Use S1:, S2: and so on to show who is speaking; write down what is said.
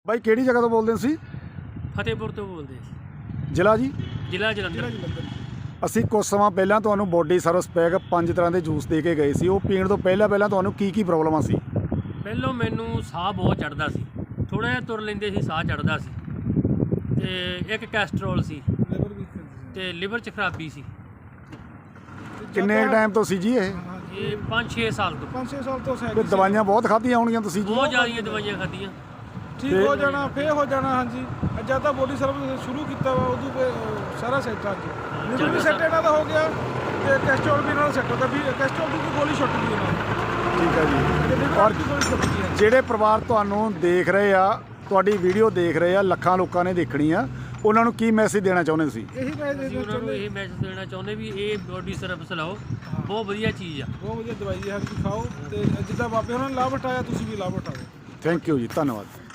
S1: ਬਾਈ ਕਿਹੜੀ ਜਗ੍ਹਾ ਤੋਂ ਬੋਲਦੇ ਸੀ?
S2: ਫਤਿਹਪੁਰ ਤੋਂ ਬੋਲਦੇ ਸੀ।
S1: ਜ਼ਿਲ੍ਹਾ ਜੀ?
S2: ਜ਼ਿਲ੍ਹਾ ਜਲੰਧਰ।
S1: ਅਸੀਂ ਕੁਝ ਸਮਾਂ ਪਹਿਲਾਂ ਤੁਹਾਨੂੰ ਬੋਡੀ ਸਰਵਿਸ ਪੈਕ 5 ਤਰ੍ਹਾਂ ਦੇ ਜੂਸ ਦੇ ਕੇ ਗਏ ਸੀ। ਉਹ ਪੀਣ ਤੋਂ ਪਹਿਲਾਂ ਤੁਹਾਨੂੰ ਕੀ ਪ੍ਰੋਬਲਮਾਂ ਸੀ?
S2: ਪਹਿਲੋਂ ਮੈਨੂੰ ਸਾਹ ਬਹੁਤ ਚੜ੍ਹਦਾ ਸੀ, ਥੋੜ੍ਹਾ ਜਿਹਾ ਤੁਰ ਲੈਂਦੇ ਸੀ ਸਾਹ ਚੜ੍ਹਦਾ ਸੀ, ਤੇ ਇੱਕ ਕੈਸਟਰੋਲ ਸੀ ਤੇ ਲਿਵਰ 'ਚ ਖਰਾਬੀ ਸੀ।
S1: ਕਿੰਨੇ ਟਾਈਮ ਤੋਂ ਸੀ ਜੀ ਇਹ?
S2: 5-6 ਸਾਲ ਤੋਂ।
S3: 5-6 ਸਾਲ ਤੋਂ
S1: ਤੇ ਦਵਾਈਆਂ ਬਹੁਤ ਖਾਧੀਆਂ ਹੋਣਗੀਆਂ ਤੁਸੀਂ ਜੀ?
S2: ਬਹੁਤ ਜ਼ਿਆਦੀਆਂ ਦਵਾਈਆਂ ਖਾਧੀਆਂ।
S3: ਠੀਕ ਹੋ ਜਾਣਾ, ਫੇਰ ਹੋ ਜਾਣਾ। ਹਾਂਜੀ, ਜਦ ਤਾਂ ਬੋਡੀ ਸਰਵਿਸ ਸ਼ੁਰੂ ਕੀਤਾ ਵਾ ਉਦੋਂ ਸਾਰਾ ਸੈੱਟ ਆ ਗਿਆ। ਲਿਵਰ ਵੀ ਸੈੱਟ ਇਹਨਾਂ ਦਾ ਹੋ ਗਿਆ ਤੇ ਕੈਸਟਰੋਲ ਵੀ ਨਾਲ ਸੈੱਟ ਹੋ ਗਿਆ। ਵੀ ਕੈਸਟਰੋਲ ਦੀ ਗੋਲੀ ਛੁੱਟ ਗਈ ਇਹਨਾਂ ਨੂੰ।
S1: ਠੀਕ ਹੈ ਜੀ।
S3: ਔਰ ਗੋਲੀ ਛੁੱਟ ਗਈ ਹੈ।
S1: ਜਿਹੜੇ ਪਰਿਵਾਰ ਤੁਹਾਨੂੰ ਦੇਖ ਰਹੇ ਆ, ਤੁਹਾਡੀ ਵੀਡੀਓ ਦੇਖ ਰਹੇ ਆ, ਲੱਖਾਂ ਲੋਕਾਂ ਨੇ ਦੇਖਣੀ ਆ, ਉਹਨਾਂ ਨੂੰ ਕੀ ਮੈਸੇਜ ਦੇਣਾ ਚਾਹੁੰਦੇ ਤੁਸੀਂ?
S3: ਇਹੀ ਮੈਸੇਜ
S2: ਉਹਨਾਂ ਨੂੰ ਇਹ ਮੈਸੇਜ ਦੇਣਾ ਚਾਹੁੰਦੇ ਵੀ ਇਹ ਬੋਡੀ ਸਰਵਿਸ ਲਾਓ, ਬਹੁਤ ਵਧੀਆ ਚੀਜ਼ ਆ,
S3: ਬਹੁਤ ਵਧੀਆ ਦਵਾਈ ਹੈ। ਖਾਓ ਤੇ ਜਿੱਦਾਂ ਬਾਬੇ ਉਹਨਾਂ ਨੇ ਲਾਭ ਉਠਾਇਆ ਤੁਸੀਂ ਵੀ ਲਾਭ ਉਠਾਓ।
S1: ਥੈਂਕ ਯੂ ਜੀ, ਧੰਨਵਾਦ।